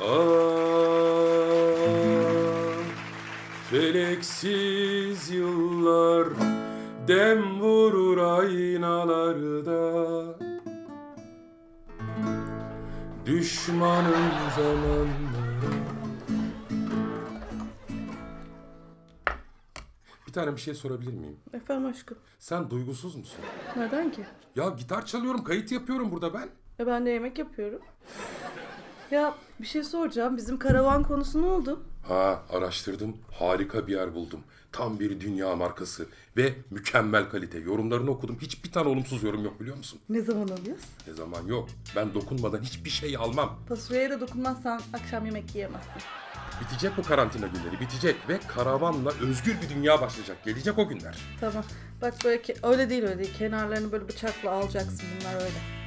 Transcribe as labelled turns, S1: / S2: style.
S1: Ah, feleksiz yıllar dem vurur aynalarda. Düşmanın zamanları. Bir tane bir şey sorabilir miyim?
S2: Efendim aşkım.
S1: Sen duygusuz musun?
S2: Neden ki?
S1: Ya gitar çalıyorum, kayıt yapıyorum burada ben.
S2: Ben de yemek yapıyorum. Ya bir şey soracağım. Bizim karavan konusu ne oldu?
S1: Ha, araştırdım. Harika bir yer buldum. Tam bir dünya markası ve mükemmel kalite. Yorumlarını okudum. Hiçbir tane olumsuz yorum yok, biliyor musun?
S2: Ne zaman alıyoruz?
S1: Ne zaman yok. Ben dokunmadan hiçbir şey almam.
S2: Fasulyeye de dokunmazsan akşam yemek yiyemezsin.
S1: Bitecek bu karantina günleri, bitecek ve karavanla özgür bir dünya başlayacak. Gelecek o günler.
S2: Tamam. Bak böyle öyle değil öyle değil. Kenarlarını böyle bıçakla alacaksın, bunlar öyle.